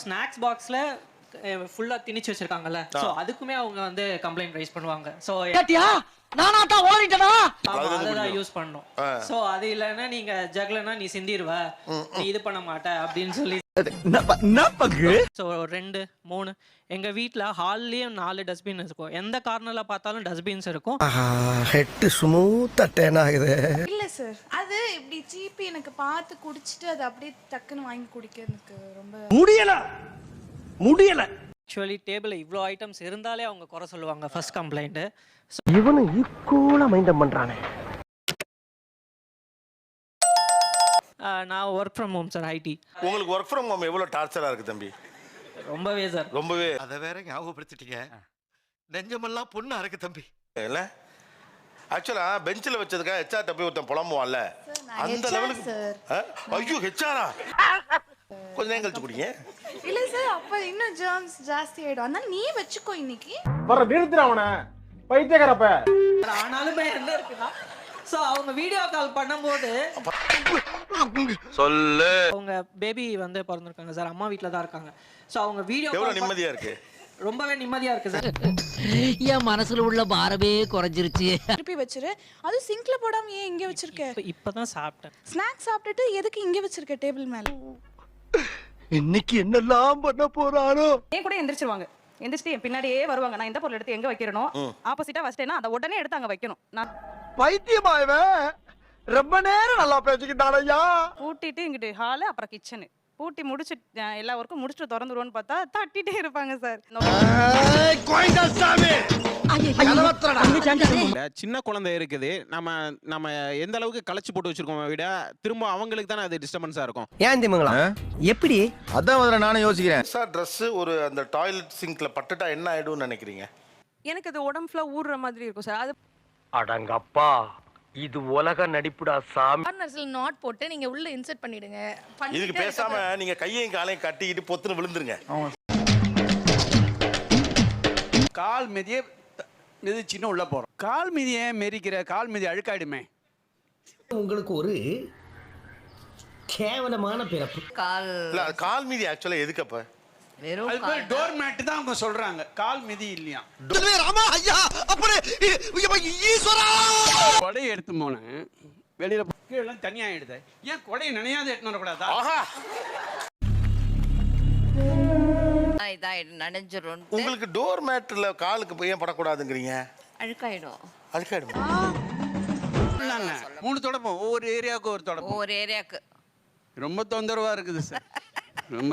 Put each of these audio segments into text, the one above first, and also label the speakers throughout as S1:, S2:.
S1: Snacks பாக்ஸ்ல ஃபுல்லா திணிச்சு வச்சிருக்காங்கல்ல, so அதுக்குமே அவங்க வந்து கம்ப்ளைண்ட் ரைஸ் பண்ணுவாங்க. சோ
S2: நானா தான் ஓடிட்டனா
S1: அதான் யூஸ் பண்ணோம். சோ அது இல்லன்னா நீங்க ஜக்லனா நீ சிந்திடுவ, நீ இது பண்ண மாட்ட அப்படின்னு சொல்லி. சோ 2 3 எங்க வீட்ல ஹால்லயே 4 டஸ்ட்பின் இருக்கும். எந்த கார்னர்ல பார்த்தாலும் டஸ்ட்பின்ஸ் இருக்கும்.
S2: ஹெட் ஸ்மூத்தா டேன் ஆகுது.
S3: இல்ல சார், அது இப்படி சீப்பி எனக்கு பார்த்து குடிச்சிட்டு அது அப்படியே டக்குன்னு வாங்கி குடிக்கிறதுக்கு ரொம்ப
S2: முடியல.
S1: ஆக்சுவலி டேபிள்ல இவ்ளோ ஐட்டம்ஸ் இருந்தாலே அவங்க குறை சொல்லுவாங்க ஃபர்ஸ்ட் கம்ப்ளைண்ட்.
S2: இவனு ஈக்குவலா மைண்டம் பண்றானே.
S1: நான் work from home sir, IT.
S4: உங்களுக்கு ஒர்க் ஃப்ரம் ஹோம் எவ்வளவு டார்ச்சரா இருக்கு தம்பி?
S1: ரொம்பவே சார்,
S4: ரொம்பவே.
S5: அத வேற ஞாபகப்படுத்திட்டீங்க. நெஞ்சமெல்லாம் பொண்ணு அறக்கு தம்பி.
S4: இல்ல ஆக்சுவலா பெஞ்சில வச்சதுக்காக ஹெச்ஆர் போய் ஒருத்தன் புலம்புவான்ல, அந்த லெவலுக்கு. ஐயோ ஹெச்ஆரா, கொஞ்ச நேரம் கழிச்சு குடிங்க.
S3: இல்ல சார், அப்ப இன்னும் ஜெர்ம்ஸ் ஜாஸ்தி ஆயிடும். அதனால நீ வச்சுக்கோ இன்னைக்கு.
S6: வர நிறுத்துறவன பைத்தியக்காரப்ப.
S1: ஆனாலுமே என்ன இருக்குன்னா, சோ அவங்க வீடியோ கால் பண்ணும்போது
S4: சொல்லு,
S1: அவங்க பேபி வந்து பிறந்திருக்காங்க சார், அம்மா வீட்ல தான் இருக்காங்க. சோ அவங்க வீடியோ
S4: எவ்வளவு நிம்மதியா இருக்கு,
S1: ரொம்பவே நிம்மதியா இருக்கு சார்.
S7: என் மனசுல உள்ள பாரமே குறைஞ்சிருச்சு.
S3: திருப்பி வச்சிரு. அது சிங்க்ல போடாம ஏன் இங்க வச்சிருக்க?
S1: இப்பதான் சாப்பிட்டேன்.
S3: ஸ்நாக்ஸ் சாப்பிட்டுட்டு எதுக்கு இங்க வச்சிருக்க டேபிள் மேல?
S2: இன்னைக்கு என்னெல்லாம் பண்ண போறானோ.
S8: ஏன் கூட எந்திரிச்சிருவாங்க, எந்திரிச்சிட்டு என் பின்னாடியே வருவாங்க. நான் எந்த பொருள் எடுத்து எங்க வைக்கிறனோ ஆப்போசிட்டா வச்சிட்டேன்னா அதை உடனே எடுத்து அங்க வைக்கணும். நான்
S2: பைத்தியமா இவன்? ரொம்ப நேரம் நல்லா பேசிக்கிட்டான் ஐயா.
S8: பூட்டிட்டு இங்கிட்டு ஹாலு அப்புறம் கிச்சனு பூட்டி முடிச்சு எல்லா ஒர்க்கும் முடிச்சுட்டு திறந்துருவோன்னு பார்த்தா தட்டிட்டே இருப்பாங்க சார்.
S6: சின்ன குழந்தை இருக்குது, நம்ம எந்த அளவுக்கு களைச்சு போட்டு வச்சிருக்கோம் விட திரும்ப அவங்களுக்கு தானே அது டிஸ்டர்பன்ஸா இருக்கும்.
S2: ஏன் திமுங்களா எப்படி?
S5: அதான் முதல்ல நானும் யோசிக்கிறேன்.
S4: சார் ட்ரெஸ் ஒரு அந்த டாய்லெட் சிங்க்ல பட்டுட்டா என்ன ஆயிடும்னு நினைக்கிறீங்க?
S8: எனக்கு அது உடம்பு ஃபுல்லா ஊறுற மாதிரி இருக்கும் சார். அது
S2: அடங்கப்பா, இது உலக நடிப்புடா சாமி.
S3: கார்னர்ஸ்ல நாட் போட்டு நீங்க உள்ள இன்சர்ட் பண்ணிடுங்க.
S4: இதுக்கு பேசாம நீங்க கையையும் காலையும் கட்டிக்கிட்டு பொத்துன்னு விழுந்துருங்க.
S6: கால் மிதியே மிதிச்சின்னு உள்ள போறோம். கால் மிதியை மெரிக்கிற, கால் மிதி அழுக்காயிடுமே.
S2: உங்களுக்கு ஒரு கேவலமான பிறப்பு.
S4: இல்ல கால் மீதி ஆக்சுவலா எதுக்கு அப்ப?
S6: அது பேர் டோர் மேட் தான் அவங்க சொல்றாங்க, கால் மிதி இல்லையா.
S2: ராமா ஐயா, அப்படி ஈஸ்வரா.
S6: கொடையை எடுத்து போனேன் வெளியில, கீழே தனியா ஆயிடுது. ஏன் கொடையை நினையாத எடுத்து வரக்கூடாதா?
S7: நனைஞ்சிரும்.
S4: உங்களுக்கு டோர் மேட்ல காலுக்கு ஏன் படக்கூடாதுங்கிறீங்க?
S7: அழுக்காயிடும்.
S4: அழுக்காயிடும்.
S6: 3 தொடப்பம், ஒவ்வொரு ஏரியாவுக்கு ஒரு தொடப்பம்.
S7: ஒவ்வொரு ஏரியாவுக்கு
S6: ரொம்ப தொந்தரவா இருக்குது சார். ரொம்ப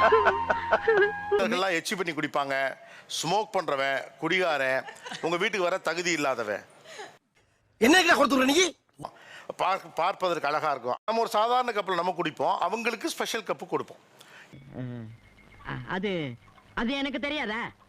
S4: எச்சி பண்ணி குடிப்பாங்க, ஸ்மோக் பண்றவன், குடிகாரன், உங்க வீட்டுக்கு வர தகுதி இல்லாதவன்.
S2: என்ன கொடுத்துற நீ?
S4: பார்ப்பதற்கு அழகா இருக்கும். நம்ம ஒரு சாதாரண கப்பில் நம்ம குடிப்போம், அவங்களுக்கு ஸ்பெஷல் கப்பு கொடுப்போம்.
S7: அது எனக்கு தெரியாதா?